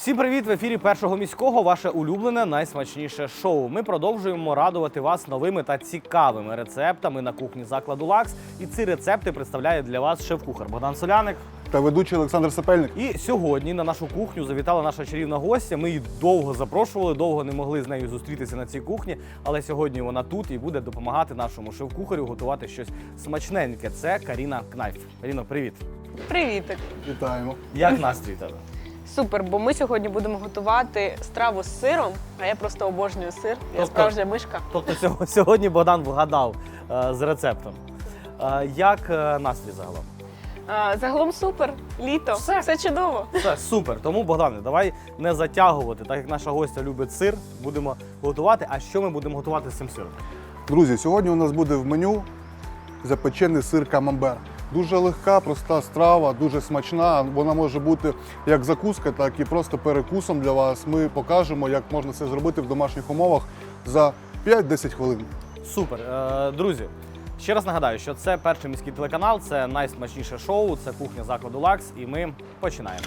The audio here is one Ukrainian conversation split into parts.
Всім привіт! В ефірі Першого міського ваше улюблене, найсмачніше шоу. Ми продовжуємо радувати вас новими та цікавими рецептами на кухні закладу «Лакс». І ці рецепти представляє для вас шеф-кухар Богдан Соляник та ведучий Олександр Сапельник. І сьогодні на нашу кухню завітала наша чарівна гостя. Ми її довго запрошували, довго не могли з нею зустрітися на цій кухні. Але сьогодні вона тут і буде допомагати нашому шеф-кухарю готувати щось смачненьке. Це Каріна Кнайф. Каріно, привіт! Привітик! Вітаємо. Як настрій тебе? Супер, бо ми сьогодні будемо готувати страву з сиром, а я просто обожнюю сир, я справжня мишка. Тобто сьогодні Богдан вгадав з рецептом. Як настрій загалом? Загалом супер, літо, все чудово. Все, супер. Тому, Богдане, давай не затягувати. Так як наша гостя любить сир, будемо готувати. А що ми будемо готувати з цим сиром? Друзі, сьогодні у нас буде в меню запечений сир камамбер. Дуже легка, проста страва, дуже смачна. Вона може бути як закуска, так і просто перекусом для вас. Ми покажемо, як можна це зробити в домашніх умовах за 5-10 хвилин. Супер. Друзі, ще раз нагадаю, що це Перший міський телеканал, це найсмачніше шоу, це кухня закладу «Лакс», і ми починаємо.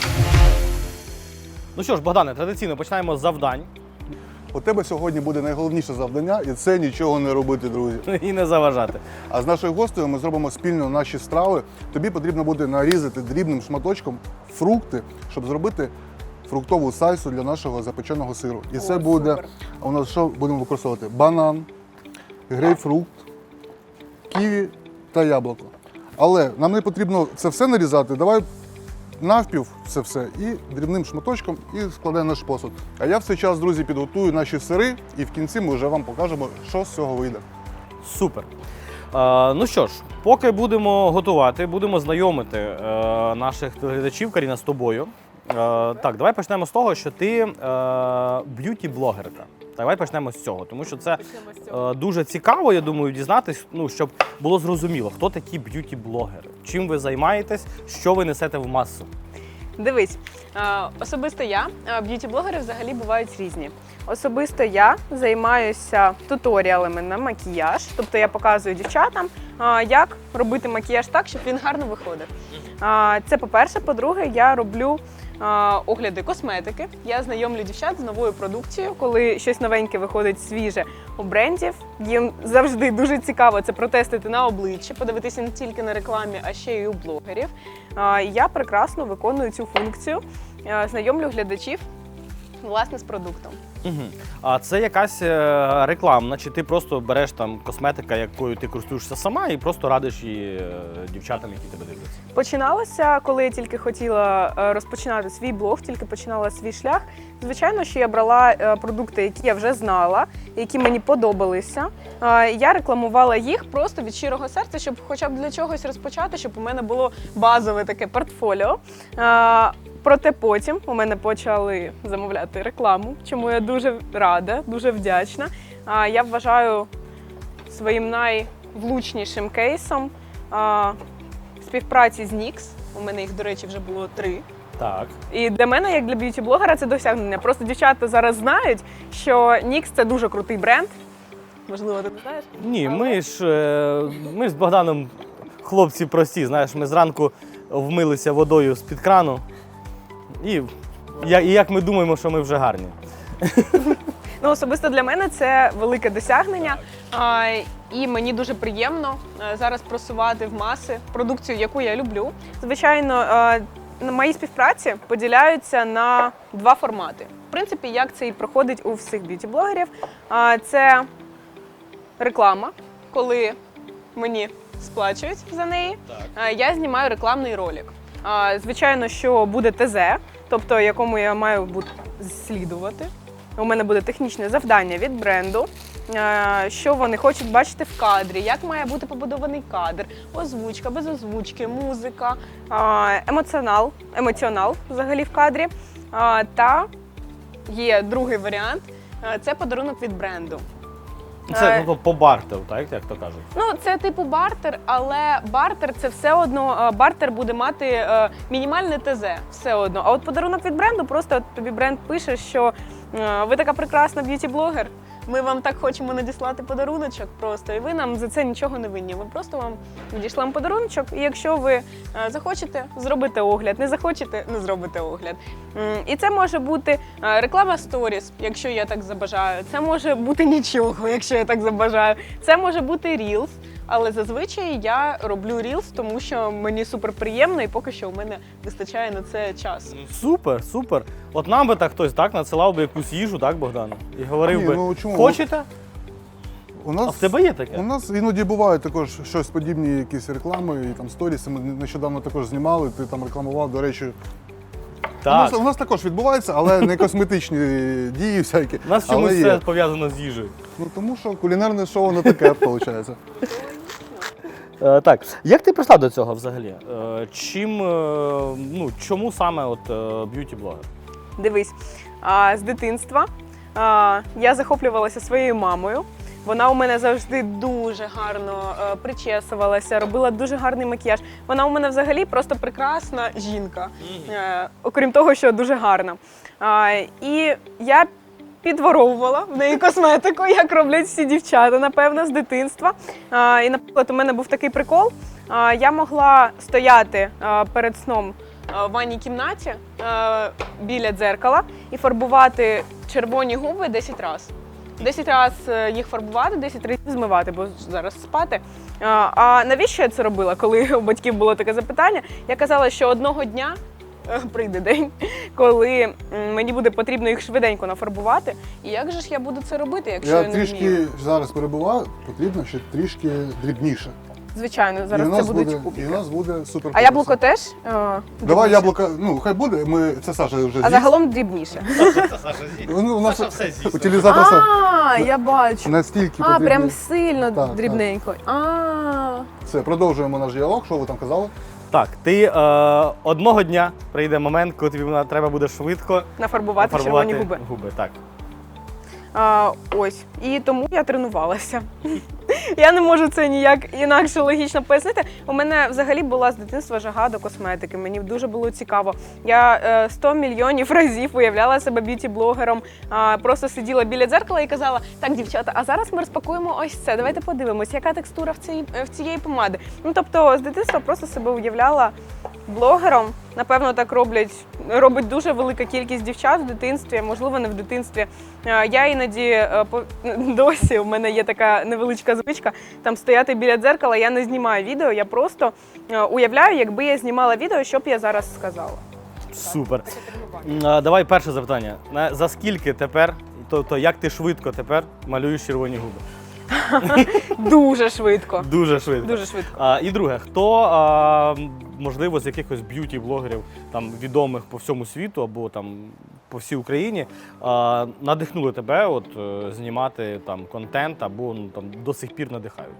Ну що ж, Богдане, традиційно починаємо з завдань. У тебе сьогодні буде найголовніше завдання, і це нічого не робити, друзі. І не заважати. А з нашою гостею ми зробимо спільно наші страви. Тобі потрібно буде нарізати дрібним шматочком фрукти, щоб зробити фруктову сальсу для нашого запеченого сиру. І це буде, супер. у нас що будемо використовувати? Банан, грейпфрукт, ківі та яблуко. Але нам не потрібно це все нарізати. Давай навпів це все і дрібним шматочком і складаємо наш посуд. А я в цей час, друзі, підготую наші сири і в кінці ми вже вам покажемо, що з цього вийде. Супер. Ну що ж, поки будемо готувати, будемо знайомити наших телеглядачів, Каріна, з тобою. Так, давай почнемо з того, що ти б'юті-блогерка. Давай почнемо з цього, тому що це дуже цікаво, я думаю, дізнатись, щоб було зрозуміло, хто такі б'юті-блогери, чим ви займаєтесь, що ви несете в масу. Дивись, особисто я, б'юті-блогери взагалі бувають різні. Особисто я займаюся туторіалами на макіяж, тобто я показую дівчатам, як робити макіяж так, щоб він гарно виходив. Це по-перше. По-друге, я роблю огляди косметики. Я знайомлю дівчат з новою продукцією, коли щось новеньке виходить свіже у брендів. Їм завжди дуже цікаво це протестити на обличчі, подивитися не тільки на рекламі, а ще й у блогерів. Я прекрасно виконую цю функцію, знайомлю глядачів, власне, з продуктом. Угу. А це якась рекламна, чи ти просто береш там косметика, якою ти користуєшся сама, і просто радиш її дівчатам, які тебе дивляться? Починалося, коли я тільки хотіла розпочинати свій блог, тільки починала свій шлях. Звичайно, що я брала продукти, які я вже знала, які мені подобалися. Я рекламувала їх просто від щирого серця, щоб хоча б для чогось розпочати, щоб у мене було базове таке портфоліо. Проте потім у мене почали замовляти рекламу, чому я дуже рада, дуже вдячна. Я вважаю своїм найвлучнішим кейсом співпраці з NYX. У мене їх, до речі, вже було 3. Так. І для мене, як для б'юті-блогера, це досягнення. Просто дівчата зараз знають, що NYX – це дуже крутий бренд. Можливо, ти не знаєш? Ні, ми з Богданом хлопці прості, знаєш, ми зранку вмилися водою з-під крану. І як ми думаємо, що ми вже гарні. Особисто для мене це велике досягнення. І мені дуже приємно зараз просувати в маси продукцію, яку я люблю. Звичайно, мої співпраці поділяються на 2 формати. В принципі, як це і проходить у всіх б'юті-блогерів. Це реклама, коли мені сплачують за неї. Я знімаю рекламний ролик. Звичайно, що буде ТЗ, тобто якому я маю слідувати. У мене буде технічне завдання від бренду, що вони хочуть бачити в кадрі, як має бути побудований кадр, озвучка, без озвучки, музика, емоціонал взагалі в кадрі. Та є другий варіант – це подарунок від бренду. Це по бартеру, так, як то кажуть? Це типу бартер, але бартер – це все одно, бартер буде мати мінімальне ТЗ, все одно. А от подарунок від бренду, просто тобі бренд пише, що ви така прекрасна б'юті-блогер, ми вам так хочемо надіслати подаруночок просто, і ви нам за це нічого не винні. Ми просто вам надішлемо подаруночок, і якщо ви захочете, зробите огляд, не захочете, не зробите огляд. І це може бути реклама сторіс, якщо я так забажаю. Це може бути нічого, якщо я так забажаю. Це може бути Reels. Але зазвичай я роблю Reels, тому що мені супер приємно і поки що у мене вистачає на це час. Супер, супер. От нам би так хтось так надсилав би якусь їжу, так, Богдану? І говорив Ні, би, ну, чому? хочете? У нас, А в тебе є таке? У нас іноді бувають також щось подібні, якісь реклами і там сторіси. Ми нещодавно також знімали, ти там рекламував, до речі. Так. У нас також відбувається, але не косметичні дії всякі. У нас чомусь але є. все пов'язано з їжею. Ну тому що кулінарне шоу не таке, виходить. Так, як ти прийшла до цього взагалі? Чому саме б'юті-блогер? Дивись, з дитинства я захоплювалася своєю мамою. Вона у мене завжди дуже гарно причесувалася, робила дуже гарний макіяж. Вона у мене взагалі просто прекрасна жінка, окрім того, що дуже гарна. І я підворовувала в неї косметику, як роблять всі дівчата, напевно, з дитинства. І, наприклад, у мене був такий прикол. Я могла стояти перед сном в ванній кімнаті біля дзеркала і фарбувати червоні губи 10 разів. 10 разів їх фарбувати, 10 разів змивати, бо зараз спати. А навіщо я це робила, коли у батьків було таке запитання? Я казала, що одного дня прийде день, коли мені буде потрібно їх швиденько нафарбувати. І як же ж я буду це робити, якщо я не вмію? Я трішки зараз перебуваю, потрібно ще трішки дрібніше. Звичайно, зараз І у це нас будуть буде, кубики. І у нас буде супер. А яблуко теж? Давай дрібніше? яблуко, хай буде, це Саша вже з'їсть. А загалом дрібніше. У нас Саша все з'їсть. утилізатор сам Я бачу. настільки А, потрібний. прям сильно Так, дрібненько. Все, продовжуємо наш діалог, що ви там казали? Так, ти одного дня прийде момент, коли тобі треба буде швидко Нафарбувати червоні губи. Так. Ось. І тому я тренувалася. Я не можу це ніяк інакше логічно пояснити. У мене взагалі була з дитинства жага до косметики. Мені дуже було цікаво. Я 100 мільйонів разів уявляла себе б'юті-блогером. Просто сиділа біля дзеркала і казала: так, дівчата, а зараз ми розпакуємо ось це. Давайте подивимось, яка текстура в цієї помади. Ну, тобто, з дитинства просто себе уявляла блогером. Напевно, так робить дуже велика кількість дівчат в дитинстві, можливо, не в дитинстві. Я іноді, досі у мене є така невеличка звичка, там стояти біля дзеркала, я не знімаю відео, я просто уявляю, якби я знімала відео, що б я зараз сказала. Супер. Давай перше запитання. За скільки тепер, тобто як ти швидко тепер малюєш червоні губи? Дуже швидко. Дуже швидко. Дуже швидко. І друге, хто, можливо, з якихось б'юті-блогерів, там, відомих по всьому світу або там, по всій Україні, надихнули тебе знімати там, контент або там, до сих пір надихають?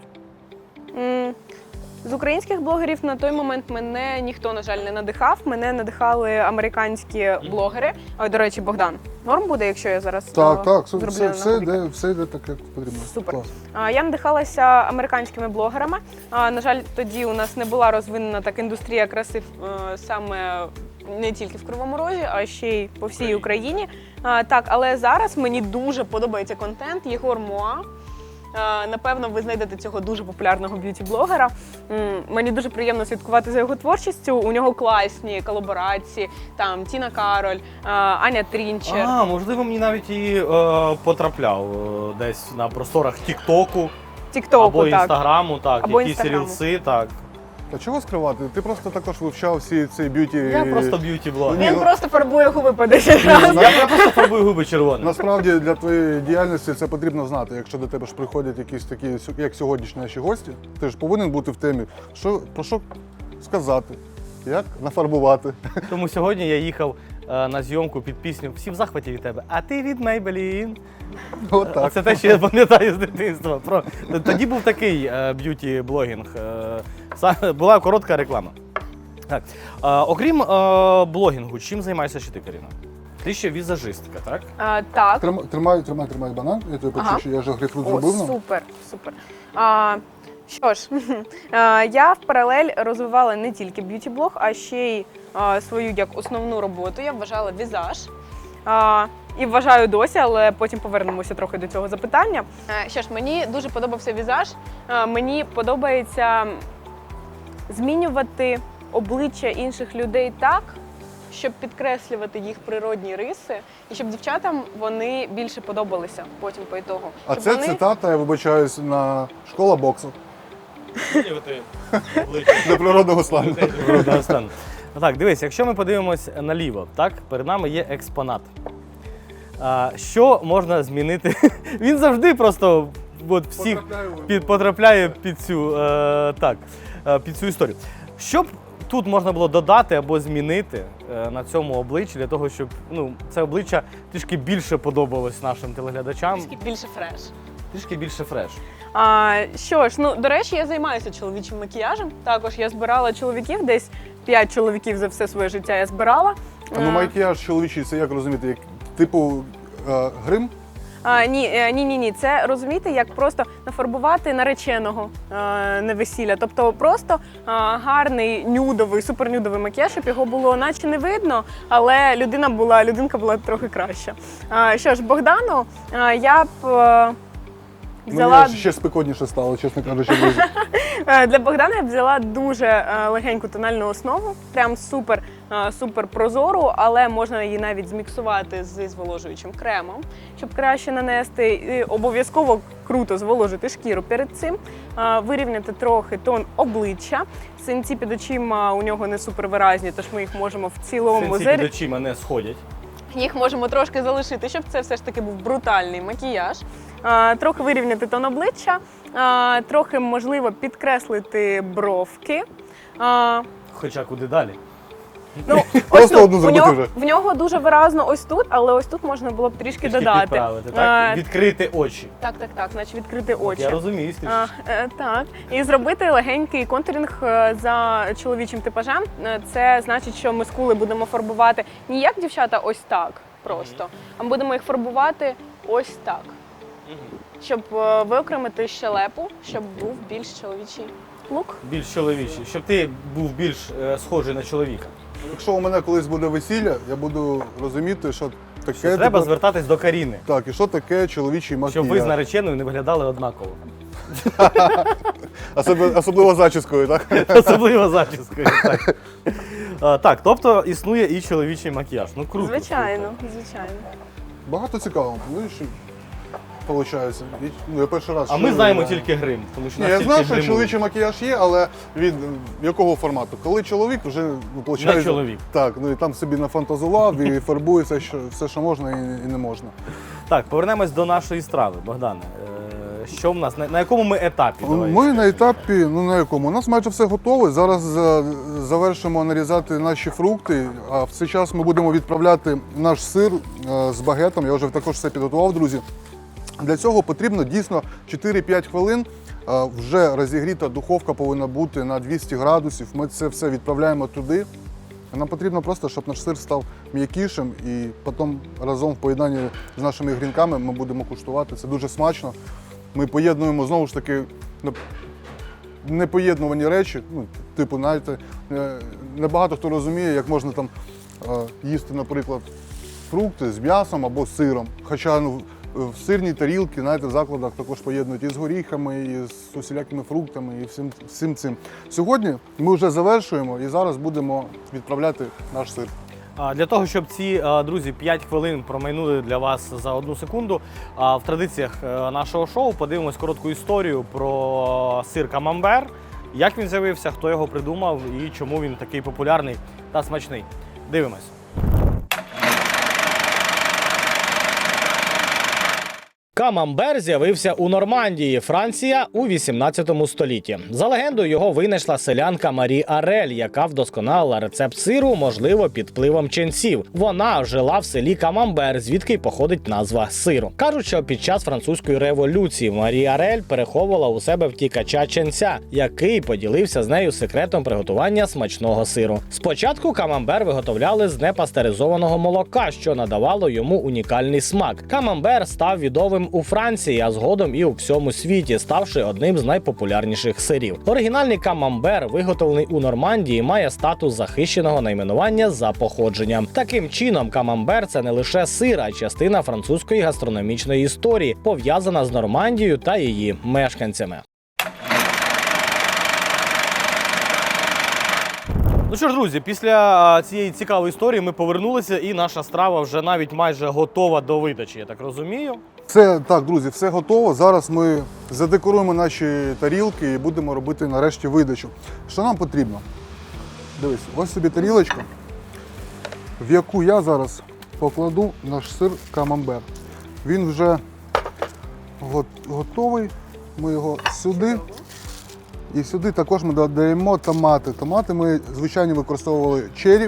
З українських блогерів на той момент мене ніхто, на жаль, не надихав. Мене надихали американські блогери. Ой, до речі, Богдан, норм буде, якщо я зараз Так, зроблю все йде так, як потрібно. Супер. Клас. Я надихалася американськими блогерами. На жаль, тоді у нас не була розвинена так індустрія краси саме не тільки в Кривому Розі, а ще й по всій Україні. Так, але зараз мені дуже подобається контент Єгор Моа. Напевно, ви знайдете цього дуже популярного б'юті-блогера. Мені дуже приємно слідкувати за його творчістю. У нього класні колаборації, там Тіна Кароль, Аня Трінчер. Можливо, мені навіть і потрапляв десь на просторах Тік-Току або так. Інстаграму, так, Або якісь Інстаграму. рілси, так. А чого скривати? Ти просто також вивчав всі ці б'юті. Я просто б'юті-блогер. Ні, Він ну- просто фарбує губи по 10 разів. Я просто фарбую губи червоним. Насправді для твоєї діяльності це потрібно знати. Якщо до тебе ж приходять якісь такі, як сьогоднішні наші гості, ти ж повинен бути в темі, про що сказати, як нафарбувати. Тому сьогодні я їхав на зйомку під пісню «Всі в захваті від тебе, а ти від Maybelline». Отак. Це те, що я пам'ятаю з дитинства. Тоді був такий б'юті-блогінг. Була коротка реклама. Так. Окрім блогінгу, чим займаєшся ще ти, Каріна? Ти ще візажистка, так? Так. Тримай банан, я тобі почув, що я вже грейпфрут зробив. Супер. Що ж, я в паралель розвивала не тільки б'юті-блог, а ще й свою як основну роботу. Я вважала візаж. І вважаю досі, але потім повернемося трохи до цього запитання. Що ж, мені дуже подобався візаж. Мені подобається змінювати обличчя інших людей так, щоб підкреслювати їх природні риси, і щоб дівчатам вони більше подобалися потім по ітогу. А Щоб це вони... цитата, я вибачаюсь, на школа боксу. До природного стану. Природного стану. Ну так, дивись, якщо ми подивимось наліво, так, перед нами є експонат. Що можна змінити? Він завжди просто от, всіх потрапляє під цю, під цю історію. Що б тут можна було додати або змінити на цьому обличчі для того, щоб це обличчя трішки більше подобалось нашим телеглядачам? Трішки більше фреш. Трішки більше фреш. Що ж, до речі, я займаюся чоловічим макіяжем. Також я збирала чоловіків, десь 5 чоловіків за все своє життя я збирала. Макіяж чоловічий, це як розуміти? Як, типу грим? Ні. Це розумієте, як просто нафарбувати нареченого на весілля. Тобто просто гарний нюдовий, супернюдовий макіяж, щоб його було наче не видно, але людинка була трохи краща. Що ж, Богдану я б взяла... Мені ще спекотніше стало, чесно кажучи, друзі. Для Богдана я б взяла дуже легеньку тональну основу, прям супер прозору, але можна її навіть зміксувати зі зволожуючим кремом, щоб краще нанести. І обов'язково круто зволожити шкіру перед цим, вирівняти трохи тон обличчя. Синці під очима у нього не супервиразні, тож ми їх можемо в цілому... Синці під очима не сходять. Їх можемо трошки залишити, щоб це все ж таки був брутальний макіяж. Трохи вирівняти тон обличчя, трохи, можливо, підкреслити бровки. Хоча куди далі? Просто одну зробити вже. В нього дуже виразно ось тут, але ось тут можна було б трішки додати. Підправити, так? Відкрити очі. Так, значить відкрити очі. Я розумію, так. І зробити легенький контуринг за чоловічим типажем. Це значить, що ми скули будемо фарбувати не як дівчата ось так просто, а ми будемо їх фарбувати ось так. Щоб виокремити щелепу, щоб був більш чоловічий лук. Більш чоловічий, щоб ти був більш схожий на чоловіка. Якщо у мене колись буде весілля, я буду розуміти, що таке... Треба звертатись до Каріни. Так, і що таке чоловічий макіяж. Щоб ви з нареченою не виглядали однаково. Особливо зачіскою, так? Особливо зачіскою, так. Так, тобто існує і чоловічий макіяж. Ну круто. Звичайно. Багато цікавого, виходить. Я перший раз. А ми знаємо тільки грим. Тому що Я знаю, що чоловічий макіяж є, але від якого формату? Коли чоловік вже виходить. Не чоловік. Так, і там собі нафантазував і фарбує все, що можна і не можна. Так, повернемось до нашої страви, Богдане. Що в нас, на якому ми етапі? Ми на етапі, на якому? У нас майже все готове. Зараз завершимо нарізати наші фрукти, а в цей час ми будемо відправляти наш сир з багетом. Я вже також все підготував, друзі. Для цього потрібно дійсно 4-5 хвилин. Вже розігріта духовка повинна бути на 200 градусів. Ми це все відправляємо туди. Нам потрібно просто, щоб наш сир став м'якішим і потім разом в поєднанні з нашими грінками ми будемо куштувати. Це дуже смачно. Ми поєднуємо, знову ж таки, непоєднувані речі. Типу, знаєте, небагато хто розуміє, як можна там їсти, наприклад, фрукти з м'ясом або з сиром. Хоча в сирній тарілці, знаєте, в закладах також поєднують і з горіхами, і з усілякими фруктами, і всім цим. Сьогодні ми вже завершуємо і зараз будемо відправляти наш сир. Для того, щоб ці, друзі, 5 хвилин промайнули для вас за 1 секунду, в традиціях нашого шоу подивимось коротку історію про сир камамбер, як він з'явився, хто його придумав і чому він такий популярний та смачний. Дивимось. Камамбер з'явився у Нормандії, Франція, у 18 столітті. За легендою, його винайшла селянка Марі Арель, яка вдосконалила рецепт сиру, можливо, під впливом ченців. Вона жила в селі Камамбер, звідки й походить назва сиру. Кажуть, що під час французької революції Марі Арель переховувала у себе втікача ченця, який поділився з нею секретом приготування смачного сиру. Спочатку камамбер виготовляли з непастеризованого молока, що надавало йому унікальний смак. Камамбер став відомим у у Франції, а згодом і у всьому світі, ставши одним з найпопулярніших сирів. Оригінальний камамбер, виготовлений у Нормандії, має статус захищеного найменування за походженням. Таким чином, камамбер – це не лише сир, а й частина французької гастрономічної історії, пов'язана з Нормандією та її мешканцями. Ну що ж, друзі, після цієї цікавої історії ми повернулися, і наша страва вже навіть майже готова до видачі, я так розумію. Все, так, друзі, все готово. Зараз ми задекоруємо наші тарілки і будемо робити нарешті видачу. Що нам потрібно? Дивись, ось собі тарілочка, в яку я зараз покладу наш сир камамбер. Він вже готовий. Ми його сюди. І сюди також ми додаємо томати. Томати ми, звичайно, використовували чері.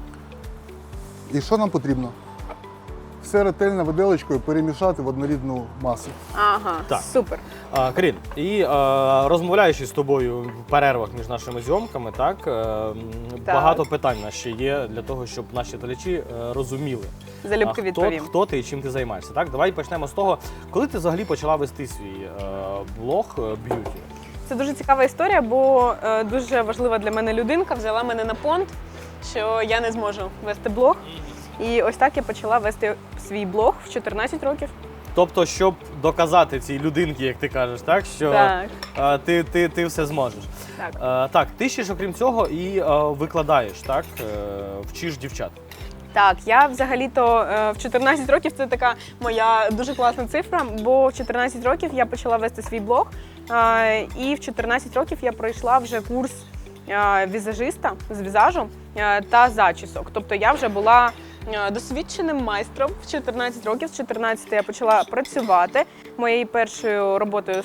І що нам потрібно? Все ретельно виделочкою перемішати в однорідну масу. Ага, Так. супер. Карін, і розмовляючи з тобою в перервах між нашими зйомками, так, багато питань у нас ще є для того, щоб наші глядачі розуміли, Залюбки відповім. хто ти і чим ти займаєшся. Так? Давай почнемо з того, коли ти взагалі почала вести свій блог б'юті? Це дуже цікава історія, бо дуже важлива для мене людинка взяла мене на понт, що я не зможу вести блог. І ось так я почала вести свій блог в 14 років. Тобто, щоб доказати цій людинці, як ти кажеш, так, що Так. Ти все зможеш. Так. Так, ти ще ж окрім цього і викладаєш, так, вчиш дівчат. Так, я взагалі-то в 14 років це така моя дуже класна цифра, бо в 14 років я почала вести свій блог, і в 14 років я пройшла вже курс візажиста з візажу та зачісок. Тобто я вже була досвідченим майстром в 14 років. З 14 я почала працювати. Моєю першою роботою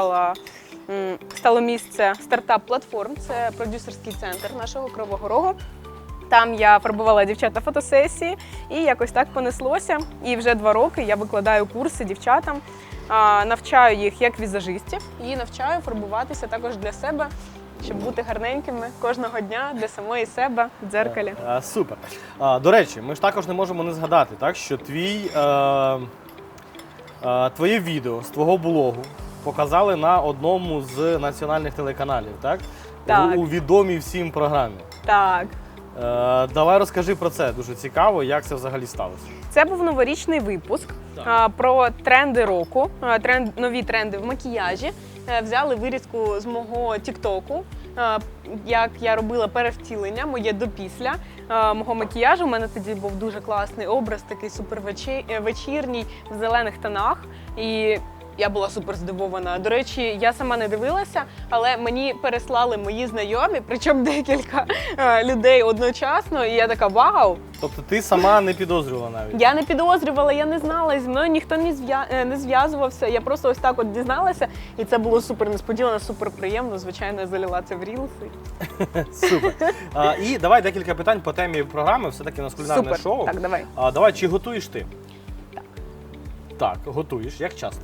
стало місце стартап-платформ. Це продюсерський центр нашого Кривого Рогу. Там я фарбувала дівчат на фотосесії, і якось так понеслося. І вже 2 роки я викладаю курси дівчатам, навчаю їх як візажистів і навчаю фарбуватися також для себе, щоб бути гарненькими кожного дня для самої себе в дзеркалі. Супер. До речі, ми ж також не можемо не згадати, так, що твоє відео з твого блогу показали на одному з національних телеканалів, так? Так. У відомій всім програмі. Так. Давай розкажи про це, дуже цікаво, як це взагалі сталося. Це був новорічний випуск про тренди року, нові тренди в макіяжі. Взяли вирізку з мого тіктоку, як я робила перевтілення, моє до-після мого макіяжу. У мене тоді був дуже класний образ, такий супервечірній, в зелених тонах. І я була супер здивована. До речі, я сама не дивилася, але мені переслали мої знайомі, причому декілька людей одночасно, і я така вау! Тобто ти сама не підозрювала навіть? Я не підозрювала, я не знала, зі мною ніхто не зв'язувався, я просто ось так от дізналася, і це було супер несподівано, супер приємно, звичайно, я залила це в рілси. Супер. І давай декілька питань по темі програми, все-таки у нас кулінарне Супер. шоу. Так, давай. Давай, чи готуєш ти? Так. Так, готуєш. Як часто?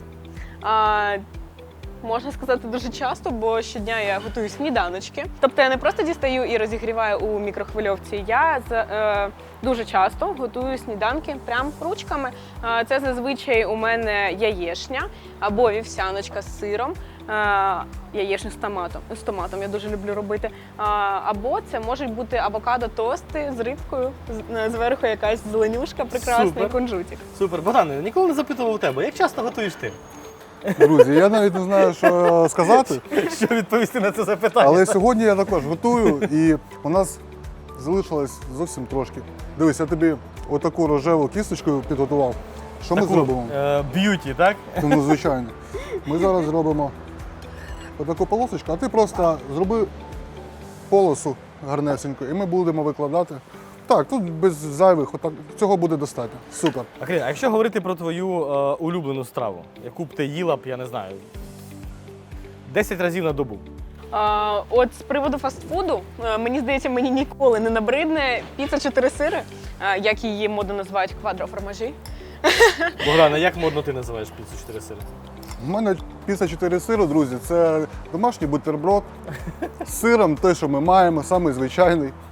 Можна сказати, дуже часто, бо щодня я готую сніданочки. Тобто я не просто дістаю і розігріваю у мікрохвильовці, я дуже часто готую сніданки прям ручками. Це зазвичай у мене яєшня або вівсяночка з сиром, яєшню з томатом я дуже люблю робити. Або це можуть бути авокадо-тости з рибкою, зверху якась зеленюшка прекрасна. Супер. І кунжутик. Супер. Богдане, ніколи не запитував у тебе, як часто готуєш ти? Друзі, я навіть не знаю, що сказати, Що відповісти на це запитання? але сьогодні я також готую, і у нас залишилось зовсім трошки. Дивись, я тобі отаку рожеву кісточку підготував. Що ми зробимо? Б'юті, так? Ну, звичайно. Ми зараз зробимо отаку полосочку, а ти просто зроби полосу гарнесеньку, і ми будемо викладати. Так, тут без зайвих, отак, цього буде достатньо. Супер. А якщо говорити про твою улюблену страву, яку б ти їла б, я не знаю, 10 разів на добу. От з приводу фастфуду, мені здається, мені ніколи не набридне піца 4 сири, як її модно називають квадроформажі. Богдана, як модно ти називаєш піцу 4 сири? У мене піца 4 сиру, друзі, це домашній бутерброд з сиром, те, що ми маємо, самий звичайний.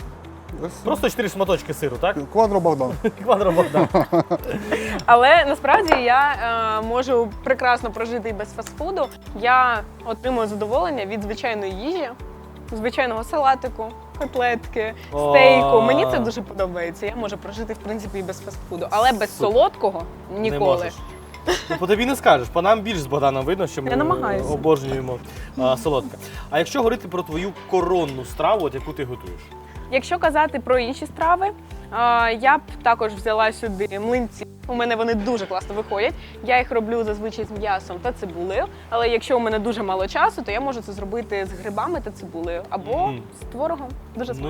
Просто 4 шматочки сиру, так? Квадро Богдан. Квадро Богдан. Але насправді я можу прекрасно прожити і без фастфуду. Я отримую задоволення від звичайної їжі, звичайного салатику, котлетки, стейку. Мені це дуже подобається. Я можу прожити, в принципі, і без фастфуду. Але без солодкого Не ніколи. можеш. Ну, по тобі не скажеш, по нам більш з Богданом видно, що ми Я намагаюся. обожнюємо солодке. А якщо говорити про твою коронну страву, от яку ти готуєш? Якщо казати про інші страви, я б також взяла сюди млинці. У мене вони дуже класно виходять. Я їх роблю зазвичай з м'ясом та цибулею. Але якщо у мене дуже мало часу, то я можу це зробити з грибами та цибулею або з творогом. Дуже смачно. Ну,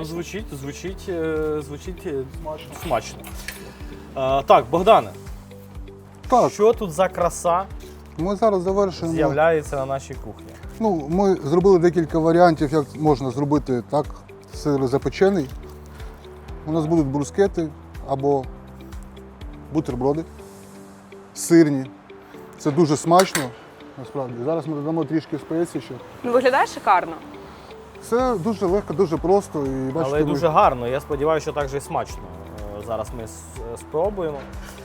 звучить смачно. Так, Богдане, Так, що тут за краса ми зараз завершуємо. з'являється на нашій кухні? Ну, ми зробили декілька варіантів, як можна зробити так сир запечений. У нас будуть брускети або бутерброди сирні. Це дуже смачно, насправді. Зараз ми додамо трішки спецій ще. Ну, виглядає шикарно. Це дуже легко, дуже просто. І бачите, Але ви- дуже гарно. Я сподіваюся, що так же і смачно. Зараз ми спробуємо.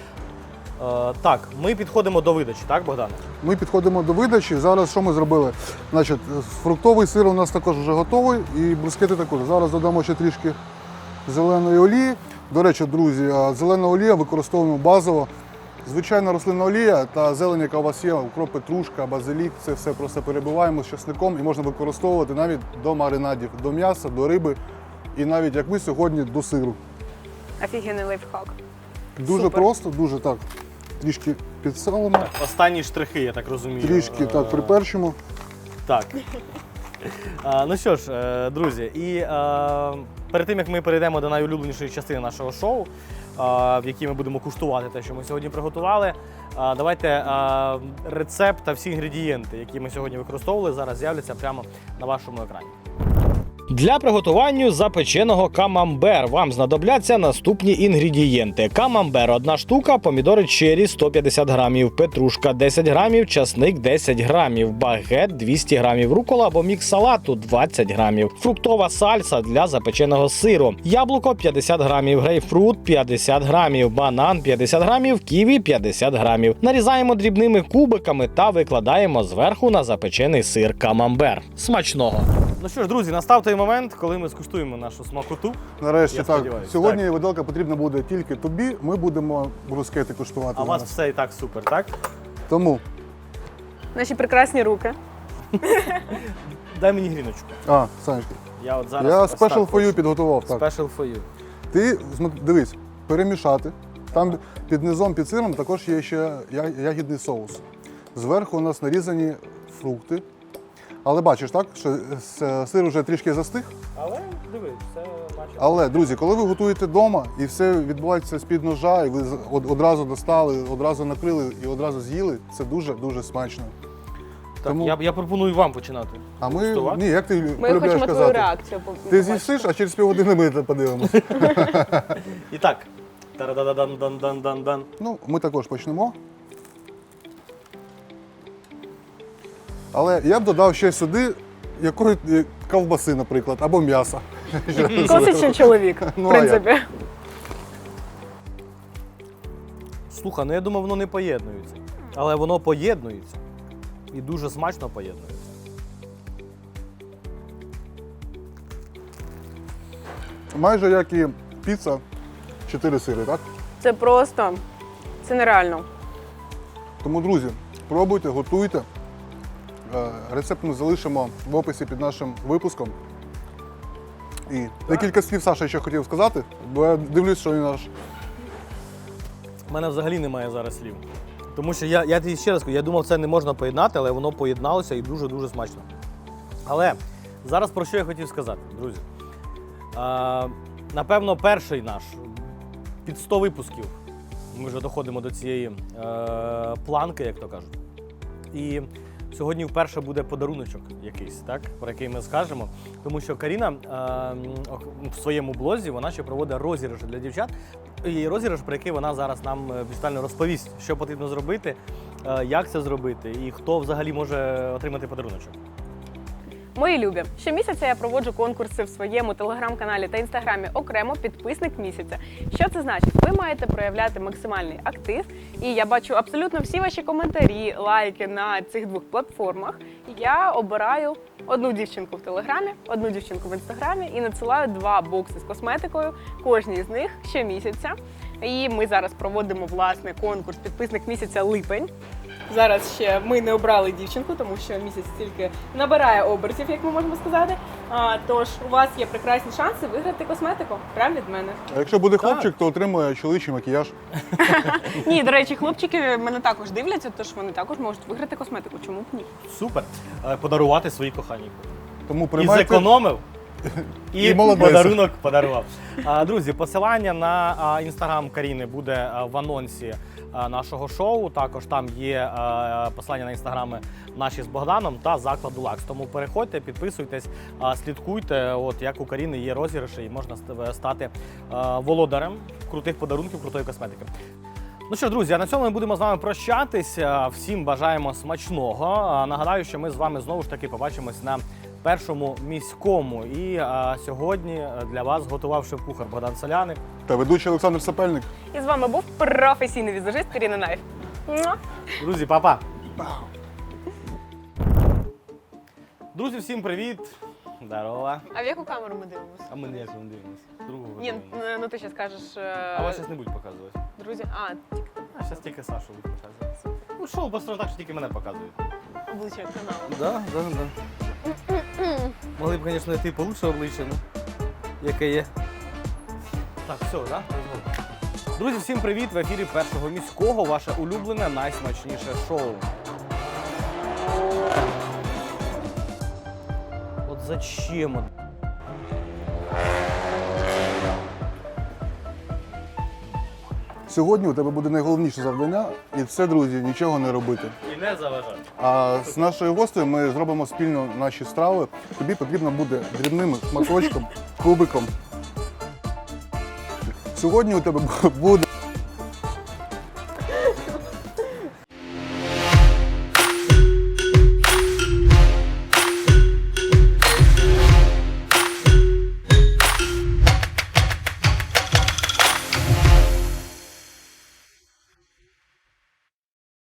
Так, ми підходимо до видачі, так, Богдане? Ми підходимо до видачі. Зараз що ми зробили? Значить, фруктовий сир у нас також вже готовий і брускети також. Зараз додамо ще трішки зеленої олії. До речі, друзі, зелена олія використовуємо базово. Звичайна рослинна олія та зелень, яка у вас є, укроп, петрушка, базилік, це все просто перебиваємо з часником і можна використовувати навіть до маринадів, до м'яса, до риби і навіть, як ми сьогодні, до сиру. Офігенний лайфхак. Дуже Супер. просто, дуже так. Трішки підсолимо, Останні штрихи, я так розумію. трішки так приперчимо. Так. Ну що ж, друзі, і перед тим, як ми перейдемо до найулюбленішої частини нашого шоу, в якій ми будемо куштувати те, що ми сьогодні приготували, давайте рецепт та всі інгредієнти, які ми сьогодні використовували, зараз з'являться прямо на вашому екрані. Для приготування запеченого камамбер вам знадобляться наступні інгредієнти. Камамбер – 1 штука, помідори черрі – 150 грамів, петрушка – 10 грамів, часник – 10 грамів, багет – 200 грамів, рукола або мікс салату – 20 грамів, фруктова сальса для запеченого сиру, яблуко – 50 грамів, грейпфрут – 50 грамів, банан – 50 грамів, ківі – 50 грамів. Нарізаємо дрібними кубиками та викладаємо зверху на запечений сир камамбер. Смачного! Ну що ж, друзі, настав той момент, коли ми скуштуємо нашу смакоту. Нарешті Я так. сподіваюся, Сьогодні виделка потрібна буде тільки тобі. Ми будемо брускети куштувати. А у вас зараз. все і так супер, так? Тому. Наші прекрасні руки. Дай мені гріночку. Санечка. Я от зараз Я ось так special for you хочу. підготував. Так. Special for you. Ти дивись, перемішати. Там під низом, під сиром також є ще ягідний соус. Зверху у нас нарізані фрукти. Але бачиш, так, що сир вже трішки застиг. Але дивись, все бачиш. Але, друзі, коли ви готуєте вдома і все відбувається з-під ножа, і ви одразу достали, одразу накрили і одразу з'їли, це дуже-дуже смачно. Так, Тому- я пропоную вам починати. А ми, Куштувати? ні, як ти Ми полюбляєш хочемо твою казати? реакцію. Ти побачити. з'їсиш, а через півгодини ми це подивимося. І так. Тарададан-дан-дан-дан-дан. Ну, ми також почнемо. Але я б додав ще сюди якої ковбаси, наприклад, або м'яса. Класичний чоловік, в Ну, а як? принципі. Слухай, ну я думав, воно не поєднується. Але воно поєднується. І дуже смачно поєднується. Майже як і піца, 4 сири, так? Це просто, це нереально. Тому, друзі, пробуйте, готуйте. Рецепт ми залишимо в описі під нашим випуском. І декілька слів Саша ще хотів сказати, бо я дивлюсь, що він наш. У мене взагалі немає зараз слів. Тому що я тобі ще раз кажу, я думав, це не можна поєднати, але воно поєдналося і дуже-дуже смачно. Але зараз про що я хотів сказати, друзі. Напевно, перший наш під 100 випусків. Ми вже доходимо до цієї планки, як то кажуть. І сьогодні вперше буде подаруночок якийсь, так, про який ми скажемо. Тому що Каріна в своєму блозі вона ще проводить розіграш для дівчат. І розіграш, про який вона зараз нам більш детально розповість, що потрібно зробити, як це зробити і хто взагалі може отримати подаруночок. Мої любі, щомісяця я проводжу конкурси в своєму телеграм-каналі та інстаграмі окремо підписник місяця. Що це значить? Ви маєте проявляти максимальний актив, і я бачу абсолютно всі ваші коментарі, лайки на цих двох платформах. Я обираю одну дівчинку в телеграмі, одну дівчинку в інстаграмі і надсилаю 2 бокси з косметикою, кожній з них щомісяця. І ми зараз проводимо власне конкурс підписник місяця липень. Зараз ще ми не обрали дівчинку, тому що місяць тільки набирає обертів, як ми можемо сказати. Тож у вас є прекрасні шанси виграти косметику. Прямо від мене. А якщо буде Так. хлопчик, то отримує чоловічий макіяж. Ні, до речі, хлопчики мене також дивляться, тож вони також можуть виграти косметику. Чому б ні? Супер. Подарувати своїй коханій. Тому І приймайте. зекономив, і І молодець. подарунок подарував. Друзі, посилання на інстаграм Каріни буде в анонсі нашого шоу. Також там є посилання на інстаграми наші з Богданом та закладу Лакс. Тому переходьте, підписуйтесь, слідкуйте. От як у Каріни є розіграші і можна стати володарем крутих подарунків, крутої косметики. Ну що ж, друзі, а на цьому ми будемо з вами прощатися. Всім бажаємо смачного. Нагадаю, що ми з вами знову ж таки побачимось на першому міському. І сьогодні для вас готував шеф-кухар Богдан Соляник. Та ведучий Олександр Сапельник. І з вами був професійний візажист Каріна Найф. Муа! Друзі, па-па! Друзі, всім привіт! Здорово! А в яку камеру ми дивимося? А ми ніяк не дивимося. Другу Ні, дивимося. ну ти ще скажеш. А вас зараз не будуть показувати. Друзі, А зараз тільки Сашу будуть показувати. Ну шоу просто так, що тільки мене показують. обличчя каналу. Да. Могли б, звісно, знайти получше обличчя, ну, яке є. Так, все, да? Друзі, всім привіт! В ефірі першого міського, ваше улюблене, найсмачніше шоу. От зачем? Сьогодні у тебе буде найголовніше завдання, і це, друзі, нічого не робити. І не заважати. А з нашою гостею ми зробимо спільно наші страви. Тобі потрібно буде дрібним шматочком, кубиком. Сьогодні у тебе буде